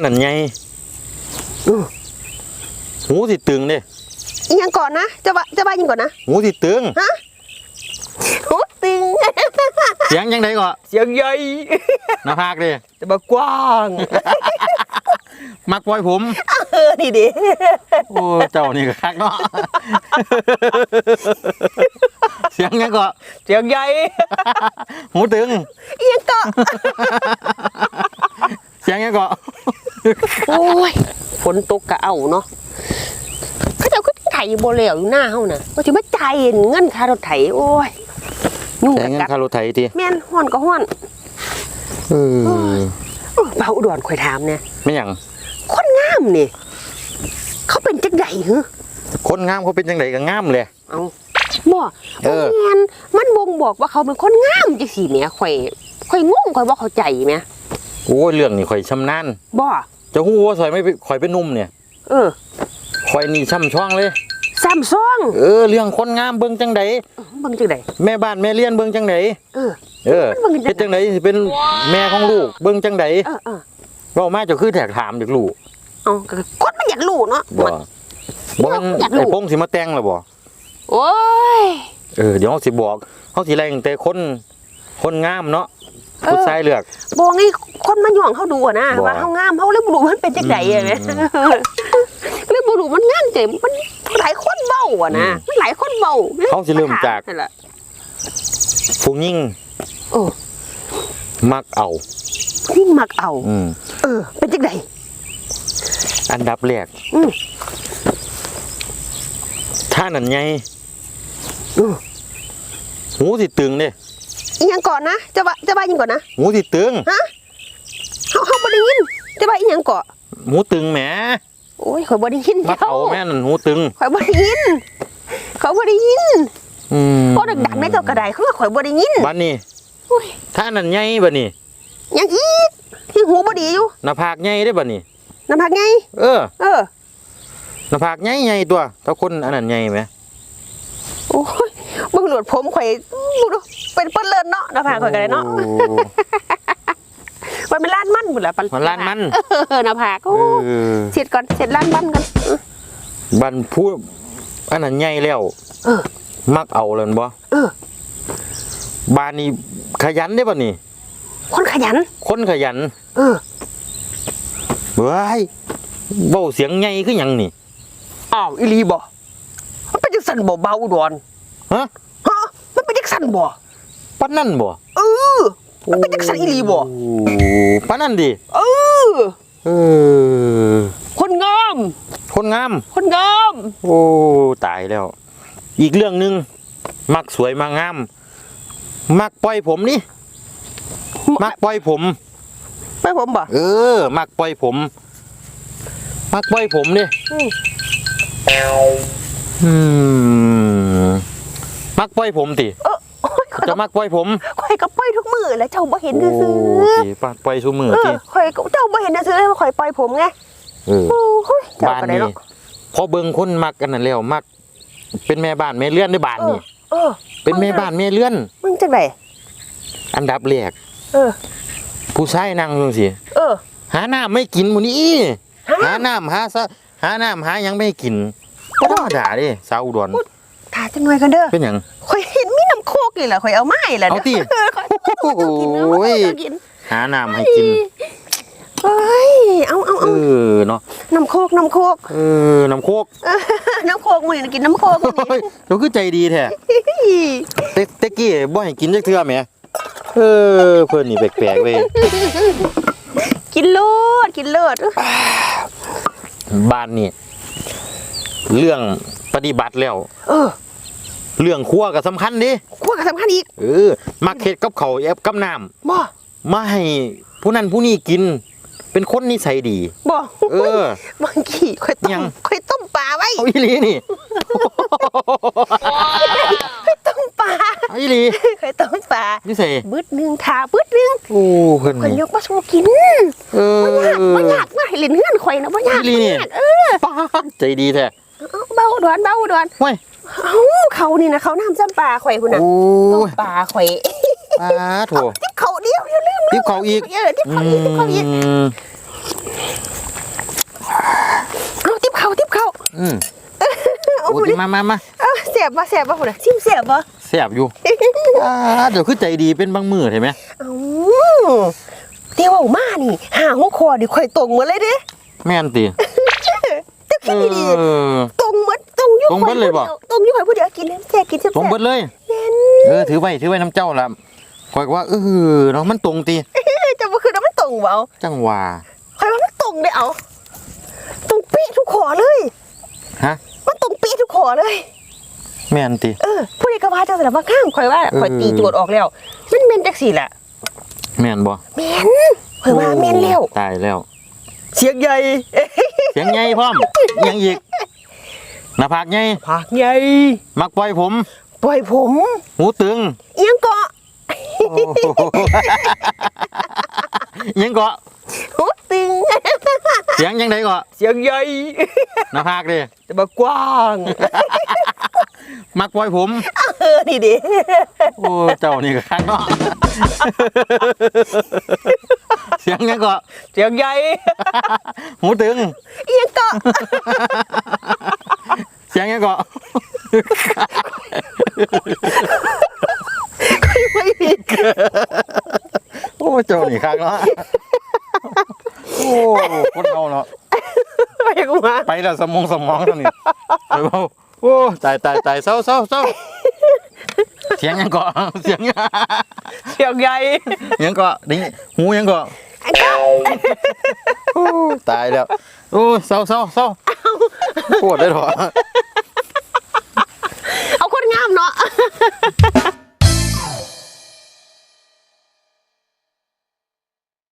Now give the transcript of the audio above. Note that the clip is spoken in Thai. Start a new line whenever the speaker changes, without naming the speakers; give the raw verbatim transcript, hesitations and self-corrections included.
นั่นไงหูสิตึงเด้
ยังก่อนนะจะว่าจะว่ายังก่อนนะ
หูสิตึง
ฮะหูตึง
เสียงยังไงก็
เสียงใหญ่
หน้าผากดิ
จะมากว้าง
มักปล่อยผม
เออนี่ดิ
โอ้เจ้านี่ก็คักเนาะเสียงยังก็
เสียงใหญ่
หูตึง
ยังก็
เสียงยังก็
โอ้ยฝนตกกะเอาเนาะเขาจะขึ้นไถโบเหลวอยู่หน้าเฮาน่ะก็จะมาจ่ายเงินค่ารถไถโอ้ย
ยุ่งเงินค่ารถไถที
แม่นห้อนก็ห้อน
เออ
เบาอุดรข่อยถามเนี่ย
ไม่หยัง
คนงามนี่เขาเป็นจังไดเหรอ
คนงามเขาเป็นจังไดก็งามเลย
เอาบ่เออแม่นมันบ่งบอกว่าเขาเป็นคนงามจังซี่แหมข่อยข่อยงงข่อยบ่เข้าใจแหม
โอ้ยเรื่องนี้ข่อยชำนาญ
บ่
จะฮู้ว่าซอยไม่ข่อยเป็นนุ่มเนี่ย
เออ
ข่อยนี่ช่ำช่องเลย
ซ้ำซ่อง
เออเรื่องคนงามเบิ่งจังได
เบิ่งจังได
แม่บ้านแม่เลี้ยนเบิ่งจังได
เออ
เออเป็นจังไดสิเป็นแม่ของลูกเบิ่งจังได
เออเออ
เว้ามาจะคือแทกถามจากลูก
เอ้าคนมันอยากรู้เนาะ
บ่บ่มันไอ้พงสิมาแต่งล่ะบ่
โอ้ย
เออเดี๋ยวเฮาสิบอกเฮาสิไล่ตั้งแต่คนคนงามเนาะผู้ชายเลือก
บ่ไงคนมาย่องเฮาดูอ่ะนะว่าเฮางามเฮาเลยบ่รู้มันเป็นจังไดอ่ะแม่เลยบ่รู้มันงามจังมันหลายคนเว้าอ่ะนะมันหลายคนเว้า
เฮาสิเริ่มจากผู้หญิง
โอ้
มักเอา
ผู้มักเอา
อืม
เออเป็นจังได
อันดับแรก
อือ
ถ้านั่นไง
อือ
หูสิตึงเด้
ยังก่อนนะจะว่าจะว่ายังก่อนนะ
หูสิตึง
ฮะเฮาเฮาบ่ได้ยินจะว่าอีหยังก่อ
หูตึงแหม
โอ้ยข่อยบ่ได้ยิน
มักเอาแม่นั่นหูตึง
ข่อยบ่ได้ยินข่อยบ่ได้ยิน
อืม
โอ้ดังๆในเจ้ากระไดเขาว่าข่อยบ่ได้ยิน
บัดนี้ถ้านั่นไงบัดนี้
ยังอีกที่หูบ่ดีอยู่
หน้าผากใหญ่เด้บัดนี้
หน้าผากใหญ่
เออ
เออ
หน้าผากใหญ่ๆตัวถ้าคนอันนั้นใหญ่ไหม
โอ้ยเบิ่งหลวดผมข่อยดูเป็นเปิ้นเลิศเนาะหน้าผากข่อยก็ได้เนาะมันเป็นล้านมันพุ่นล่ะปัน
มันล้านมัน
เออหน้าผากโอ้เสร็จก่อนเสร็จล้านมันกัน
บันพูดอันนั้นใหญ่แล้ว
เออ
มักเอาเลยบ่
เออ
บ้านนี้ขยันได้ป่ะนี่
คนขยัน
คนขยัน
เออ
เฮ้ยเบาเสียงใหญ่คือหยังนี่
อ้าวอีลีบ่มันเป็นจังสั่นบ่เบาอุดร
ฮะ
ฮะมันเป็นจังสั่นบ่
ปานนั่นบ่
เออมันเป็นจังสั่นอีลีบ่
ปานนั่นดิ
เออ
เออ
คนงาม
คนงาม
คนงาม
โอ้ตายแล้วอีกเรื่องนึงมักสวยมากงามมักปล่อยผมนี่มักปล่อยผม
ปล่อยผมบ่
เออมักปล่อยผมมักปล่อยผมนี่อืมมักปล่อยผมติจะมักปล่อยผม
ข่อยก็ปล่อยทุกมือแล้วเจ้าบ่เห็นซื่อ
ๆปักปล่อยทุกมือติ
ข่อยเจ้าบ่เห็นซื่อๆว่าข่อยปล่อยผมไง
เออบ้านนี่พอเบิ่งคนมักกันนั่นแล้วมักเป็นแม่บ้านแม่เลื่อนในบ้านนี่
เออ
เป็นแม่บ้านแม่เลื่อน
มึงจังได๋
อันดับแรก
เออ
ผู้ชายนั่งจังซี่
เออ
หาน้ำไม่กินมื้อนี้หาน้ำหาซะหาน้ำหายังไม่กินบ่ธรรมดาเด้สาวอุดร
ถ่าจังหน่อยกันเด้อ
เป็นหยัง
ข่อยเห็นมีน้ำโคกนี่แหละข่อยเอาไม้ล่ะ
เอาติโอ้ยหาน้ำให้กิน
เฮ้ยเอาเอาเอา
เออเนาะ
น้ำโคกน้ำโคก
เออน้ำโคก
น้ำโคกมื้อนี้กินน้ำโคกมื้อนี้
เราคือใจดีแท้เต๊ะเต๊ะกี้บ่ให้กินจักเทื่อแหมเออเพิ่นนี่แปลกๆเว้ย
กินโลดกินเลิศ
บ้านนี่เรื่องปฏิบัติแล้ว
เออ
เรื่องครัวก็สำคัญดิ
ครัวก็สำคัญอีก
เออมักเฮ็ดกับข้าวแอบกับน้ำ
บ่
มาให้ผู้นั้นผู้นี้กินเป็นคนนิสัยดี
บ่
เอ
อบางทีค่อยต้มค่อยต้มปลาไว้
เอาอีหลีนี่
ค่อยต้มปลา
เอาอีหลี
ค่อยต้มปลา
นี่ใส่
บึดนึงทาบึดนึง
โอ้เพิ่น
ข่อยยกมาสู่กิน
เออ
บ่ยากบ่ยากมาให้เล่นเฮือนข่อยนะบ่ยาก
อีหลีนี่เออใจดีแท้
เบาดอนเบาดอน
ห้วย
เอ้าเขานี่นะเขาน้ำจำปลาข่อยพุ่นน่ะต้มปลาข่อย
ปลาโถ
ติ๊บเขาเดียวอย่าลืม
ติ๊บเขาอีก
เออติ๊บเขาอีกติ๊บเขาอีก
อืม
เอา
โอ้
พุ่น
ยมามามา
เอาแสบบ่แสบบ่พุ่นน่ะชิมแสบบ่
แซ่บอยู่ อ่าเดี๋ยวคือใจดีเป็นบางมือเห็นไหม
เอ้าเดี๋ยวเอามานี่หาหัวคอดิข่อยตรงหมดเลยเด้
แม่นติ
เจ้า
เอ
คิดดี
อ
ๆตรงหมดตรงอยู่
ตรงหมดเลยบ่
ตรงอยู่ข่อยผู้เดียวกินแซ่บกินแซ่บ
ตรงเบิดเลย
แม่น
เออถือไว้ถือไว้น้ำเจ้าละคอยก็ว่าเออเนาะมันตรงตี
จะบ่คือว่ามันตรงบ่เอา
จังหว่า
ข่อยว่ามันตรงเด้เอาตรงเป๊ะทุกขอเลย
ฮะ
มันตรงเป๊ะทุกขอเลย
แม่นตี
เออผู้ใดก็ว่าจังซั่นล่ะว่าข้างข่อยว่า
เออ
ข่อยตีโจทย์ออกแล้วมันแม่นจังซี่ล่ะ
แม่นบ่
แม่นข่อยว่าแม่นแล้ว
ตายแล้ว
เสียงใหญ่
เสียงใหญ่พร้อมยังอีกหน้าผากใหญ่
ผากใหญ่
มักปล่อยผม
ปล่อยผม
หูตึง
เอียงเกาะ
โอ้โหยังเกาะ
หูตึง
เสียงยังไงเกาะ
เสียงใหญ่
หน้าผากดิ
แต่บ่กว้าง
มักปล่อยผม
เออนี่ดิ
โอ้เจ้านี่ก็ข้างนอกเสียงยังเกาะ
เสียงใหญ่
หูตึง
เอียงเกาะ
เสียงยังเกาะ
ไม่มี
โอ้เจ้านี่ข้างเนาะโอ้คนเอาเนาะ
ไปกูมา
ไปแล้วสมองสมองเท่านี้ไปเบาโอ้ตายตายตายเศร้าเศร้าเศร้าเสียงยังเกาะเสียงยัง
เสียงใหญ่
ยังเกาะนี่หูยังเกาะ
ไอ้เกาะ
โอ้ตายแล้วโอ้เศร้าเศร้าเศร้าปวดได้หรอ
เอาคนงามเนาะ